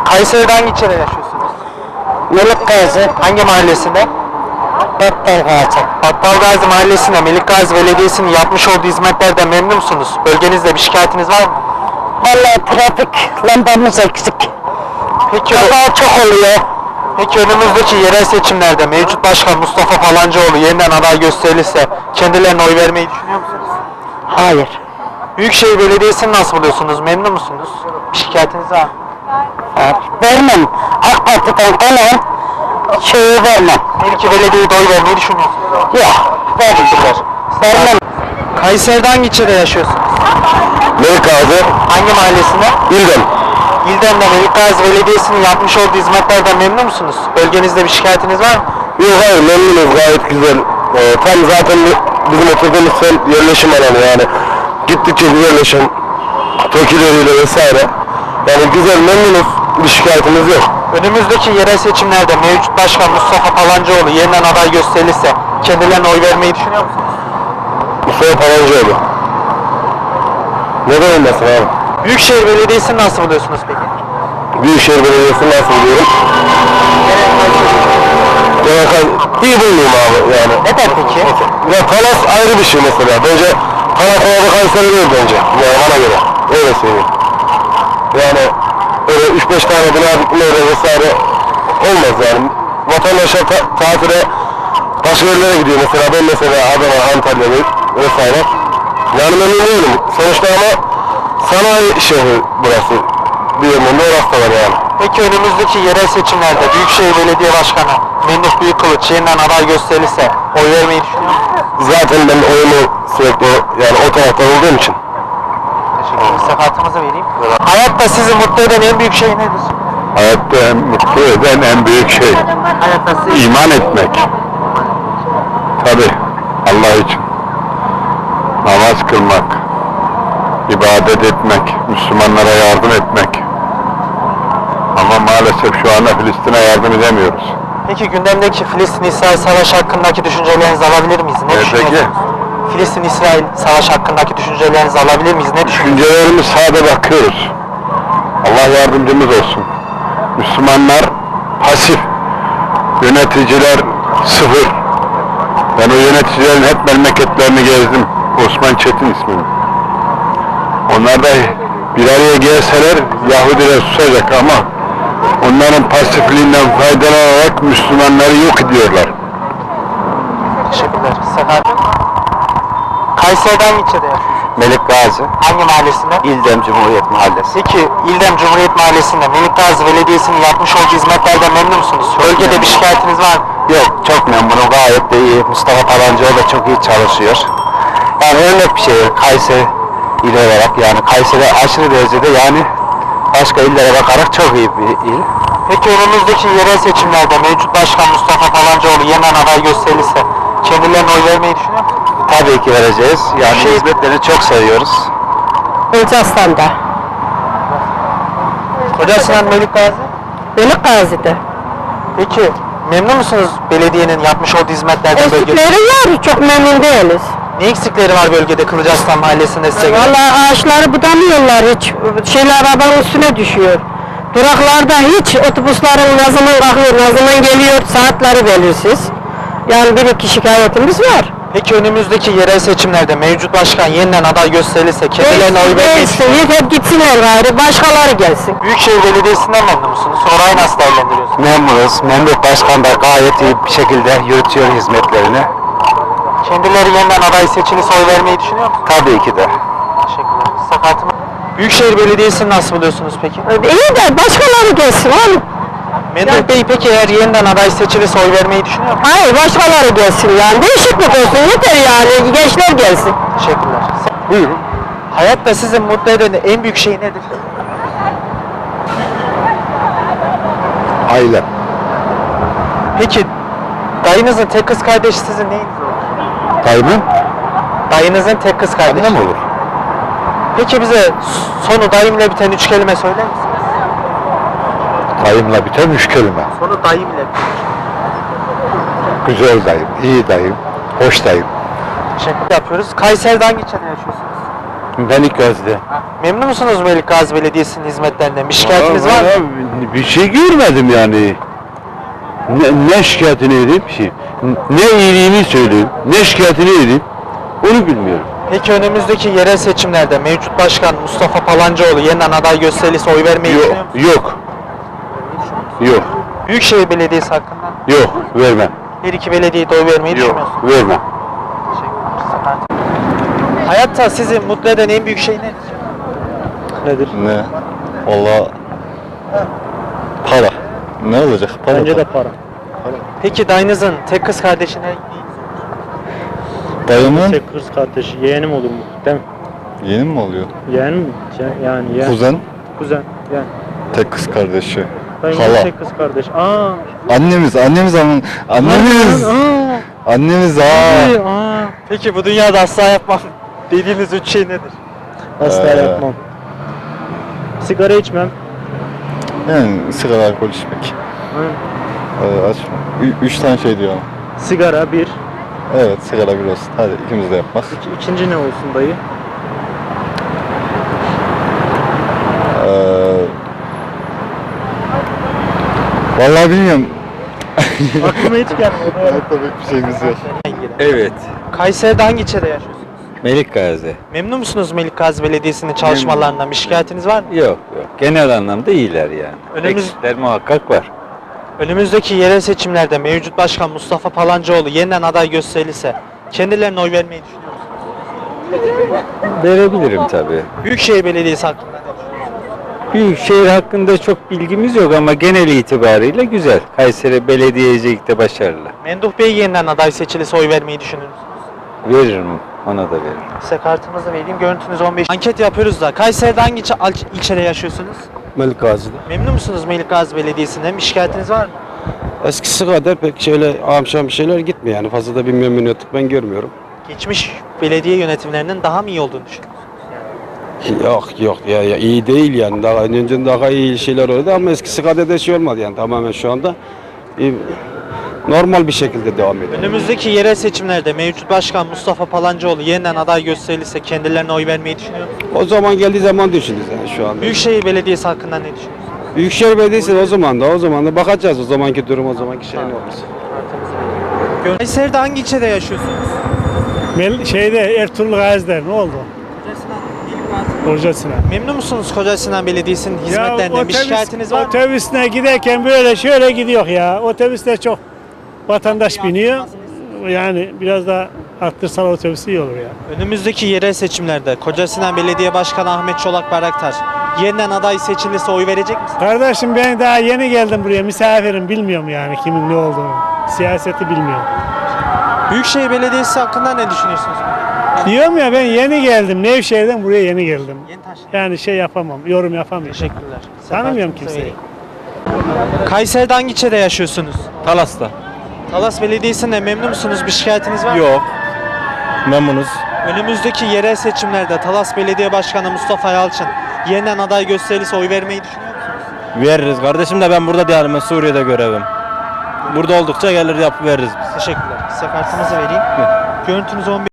Kayseri'de hangi ilçede yaşıyorsunuz? Melik Gazi, Hangi mahallesinde? Battal Gazi. Battal Gazi Mahallesi'nde Melik Gazi Belediyesi'nin yapmış olduğu hizmetlerden memnun musunuz? Bölgenizde bir şikayetiniz var mı? Vallahi trafik lambamız eksik. Peki, Kaza çok oluyor. peki önümüzdeki yerel seçimlerde mevcut başkan Mustafa Palancıoğlu yeniden aday gösterilirse kendilerine oy vermeyi düşünüyor musunuz? Hayır. Büyükşehir Belediyesi'ni nasıl buluyorsunuz? Memnun musunuz? Bir şikayetiniz var mı? Vermem. AK Parti'den kalan şeyi vermem. Melike Belediye'ye de oy vermeyi düşünüyorsunuz. Yok. Vermem. Kayseri'de hangi ilçede yaşıyorsunuz? Melik Gazi, Hangi mahallesinde? İldem. İldem'de Melik Gazi Belediyesi'nin yapmış olduğu hizmetlerden memnun musunuz? Bölgenizde bir şikayetiniz var mı? Yok hayır, memnunuz, gayet güzel. Tam zaten bizim oturduğumuz semt yerleşim alanı yani. Gittikçe yerleşim, tokileriyle vesaire. Yani güzel, memnunuz, bir şikayetimiz yok. Önümüzdeki yerel seçimlerde mevcut başkan Mustafa Palancıoğlu yeniden aday gösterilirse kendilerine oy vermeyi düşünüyor musunuz? Mustafa Palancıoğlu. Neden olmasın abi? Büyükşehir Belediyesi'ni nasıl buluyorsunuz peki? Büyükşehir Belediyesi'ni nasıl buluyorum? İyi bulmuyorum abi yani. Neden peki? Ya Talas ayrı bir şey mesela. Bence Talas orada Kayseri değil bence. Yani bana göre. Öyle söyleyeyim. Yani öyle 3-5 tane bina dikmeyle vesaire olmaz yani. Vatandaşlar tatile başka yerlere gidiyor mesela. Ben mesela Adana, Antalya vesaire. Yani memnun değilim. Sonuçta ama sanayi şehri burası. Bir yönünde orası da var yani. Peki önümüzdeki yerel seçimlerde Büyükşehir Belediye Başkanı Memduh Büyükkılıç yeniden aday gösterilirse oy vermeyi düşünüyor musunuz? Zaten ben oyumu sürekli yani o taraftan olduğum için. Teşekkür ederim. Size kartımızı vereyim. Hayatta sizi mutlu eden en büyük şey nedir? Hayatta en mutlu eden en büyük şey Hayatta sizi... iman etmek. Tabi Allah için. Namaz kılmak, ibadet etmek, Müslümanlara yardım etmek. Ama maalesef şu anda Filistin'e yardım edemiyoruz. Peki gündemdeki Filistin-İsrail savaşı hakkındaki düşüncelerinizi alabilir miyiz? Ne düşünüyorsunuz? Filistin-İsrail savaşı hakkındaki düşüncelerinizi alabilir miyiz? Ne düşünüyorsunuz? Düşüncelerimiz sade bakıyoruz. Allah yardımcımız olsun. Müslümanlar pasif, yöneticiler sıfır. Ben o yöneticilerin hep memleketlerini gezdim. Osman Çetin ismini. Onlar da bir araya gelseler Yahudiler susacak ama onların pasifliğinden faydalanarak Müslümanları yok ediyorlar. Teşekkürler. Sefer. Kayseri'den ilçede yaşıyorsunuz. Melik Gazi, Hangi mahallesinde? İldem Cumhuriyet Mahallesi. Peki İldem Cumhuriyet Mahallesi'nde Melik Gazi Belediyesi'nin yapmış olduğu hizmetlerden memnun musunuz? Bölgede bir şikayetiniz var mı? Yok, çok memnunum, gayet de iyi. Mustafa Palancıoğlu da çok iyi çalışıyor. Yani örnek bir şehir, Kayseri il olarak, yani Kayseri aşırı derecede yani başka illere bakarak çok iyi bir il. Peki önümüzdeki yerel seçimlerde mevcut başkan Mustafa Palancıoğlu yeniden aday gösterilirse kendilerine oy vermeyi düşünüyor musunuz? Tabii ki vereceğiz. Yani hizmetlerini çok seviyoruz. Gülcastan'da. Kocasinan Melik Gazi. Melik Gazi'de. Peki memnun musunuz belediyenin yapmış olduğu hizmetlerden bölgede? Eksikleri var, çok memnun değiliz. Ne eksikleri var bölgede Kılıcaslan Mahallesi'nde size göre? Vallahi ağaçları budamıyorlar hiç. Şeyler arabanın üstüne düşüyor. Duraklarda hiç otobüslerin ne zaman kalkıyor, ne zaman geliyor, saatleri belirsiz. Yani bir iki şikayetimiz var. Peki önümüzdeki yerel seçimlerde mevcut başkan yeniden aday gösterilirse kendilerine oy vermeyi düşünüyor musunuz? Hep gitsinler gayrı, başkaları gelsin. Büyükşehir Belediyesi'nden memnun musunuz? Orayı nasıl değerlendiriyorsunuz? Memnunuz. Memduh Başkan da gayet iyi bir şekilde yürütüyor hizmetlerini. Kendileri yeniden aday seçilirse oy vermeyi düşünüyor musunuz? Tabii ki de. Teşekkürler. Sakatım. Büyükşehir Belediyesi'ni nasıl buluyorsunuz peki? İyi de başkaları gelsin oğlum. Memduh Bey peki eğer yeniden aday seçilirse oy vermeyi düşünüyor musunuz? Hayır, başkaları gelsin yani. Değişiklik olsun, yeter yani. Gençler gelsin. Teşekkürler. Buyurun. Hayatta sizi mutlu eden en büyük şey nedir? Aile. Peki dayınızın tek kız kardeşi sizin neyiniz olur? Dayımın Dayınızın tek kız kardeşi. annem olur. Peki bize sonu dayımla biten 3 kelime söyler misiniz? Dayımla biten 3 kelime. Sonu dayımla biten. Güzel dayım, iyi dayım, hoş dayım. Teşekkür yapıyoruz. Kayseri'de hangi ilçede yaşıyorsunuz? Melik Gazi'de. Memnun musunuz Melik Gazi Belediyesi'nin hizmetlerinden? Bir şikayetiniz var mı? Bir şey görmedim yani. Ne şikayetini edeyim ki? Ne iyiliğini söyleyeyim, ne şikayetini edeyim, onu bilmiyorum. Peki önümüzdeki yerel seçimlerde mevcut başkan Mustafa Palancıoğlu yeniden aday gösterilirse oy vermeyi düşünüyor musunuz? Yok. Yok. Büyükşehir Belediyesi hakkında Yok. Vermem. her iki belediyeye de oy vermeyi düşünüyor musunuz? Vermem. Hayatta sizi mutlu eden en büyük şey nedir? Nedir? Ne? Valla para. Ne olacak? Para. Bence de para. Peki dayınızın tek kız kardeşine Dayımın Tek kız kardeşi, yeğenim olur mu? Değil mi? yeni mi oluyor? Yeğen mi? Yani yeğen. Kuzen, Kuzen. Yani. tek kız kardeşi. Dayımın Hala. tek kız kardeş. Aa. Annemiz ama annemiz. Annemiz Peki bu dünyada asla yapmam dediğiniz üç şey nedir? Asla yapmam. Sigara içmem. Yani sigara, alkol içmek. Açma. Üç tane şey diyor ama. Sigara bir. Evet, sigara bir olsun. Hadi ikimiz de yapmaz. İkinci ne olsun dayı? Vallahi bilmiyorum. Aklıma hiç gelmedi. Pek bir şeyimiz yok. Evet. Kayseri'de hangi ilçede yaşıyorsunuz? Melik Gazi. Memnun musunuz Melik Gazi Belediyesi'nin çalışmalarından? Bir şikayetiniz var mı? Yok yok. Genel anlamda iyiler yani. Önümüz- Eksikler muhakkak var. Önümüzdeki yerel seçimlerde mevcut başkan Mustafa Palancıoğlu yeniden aday gösterilirse kendilerine oy vermeyi düşünüyor musunuz? Verebilirim tabii. Büyükşehir Belediyesi hakkında ne düşünüyorsunuz? Büyükşehir hakkında çok bilgimiz yok ama genel itibariyle güzel. Kayseri Belediyecilikte başarılı. Memduh Bey yeniden aday seçilirse oy vermeyi düşünür müsünüz? Veririm. Ona da veririm. Size kartınızı vereyim. Görüntünüz 15. Anket yapıyoruz da. Kayseri'de hangi ilçede yaşıyorsunuz? Melik Gazi'de. Memnun musunuz Melik Gazi Belediyesi'nden? Bir şikayetiniz var mı? Eskisi kadar pek şöyle amşam bir şeyler gitmiyor yani fazla da bir memnuniyetlik ben görmüyorum. Geçmiş belediye yönetimlerinin daha mı iyi olduğunu düşünüyorsunuz? Yok ya iyi değil yani daha önce daha iyi şeyler oldu ama eskisi kadar da şey olmadı yani tamamen şu anda normal bir şekilde devam ediyor. Önümüzdeki yerel seçimlerde mevcut başkan Mustafa Palancıoğlu yeniden aday gösterilirse kendilerine oy vermeyi düşünüyor musunuz? O zaman geldiği zaman düşünürüz yani şu anda. Büyükşehir Belediyesi hakkında ne düşünüyorsunuz? Büyükşehir Belediyesi o zaman da bakacağız o zamanki durum o zamanki şey ne olursa. Kayseri'de hangi ilçede yaşıyorsunuz? Ertuğrul Gazi'de ne oldu? Kocasına. Memnun musunuz Koca Sinan Belediyesi'nin hizmetlerinden? Bir şikayetiniz var mı? Otobüsüne giderken böyle şöyle gidiyor ya. Otobüste çok vatandaş biniyor. Yani biraz daha arttırsalar otobüsü iyi olur ya. Önümüzdeki yerel seçimlerde Koca Sinan Belediye Başkanı Ahmet Çolak Bayraktar yeniden aday seçilirse oy verecek misiniz? Kardeşim ben daha yeni geldim buraya. Misafirim bilmiyorum yani kimin ne olduğunu. Siyaseti bilmiyorum. Büyükşehir Belediyesi hakkında ne düşünüyorsunuz? Diyorum ya ben yeni geldim. Nevşehir'den buraya yeni geldim. Yeni taşındım. Yani şey yapamam, yorum yapamıyorum. Teşekkürler. Tanımıyorum Kartınızı kimseyi. vereyim. Kayseri'de hangi ilçede yaşıyorsunuz? Talas'ta. Talas Belediyesi'nde memnun musunuz? Bir şikayetiniz var mı? Yok. Memnunuz. Önümüzdeki yerel seçimlerde Talas Belediye Başkanı Mustafa Yalçın yeniden aday gösterilirse oy vermeyi düşünüyor musunuz? Veririz kardeşim de ben burada değilim. Ben Suriye'de görevim. Burada oldukça gelir yapıp veririz biz. Teşekkürler. Size kartınızı vereyim. Görüntünüz 15.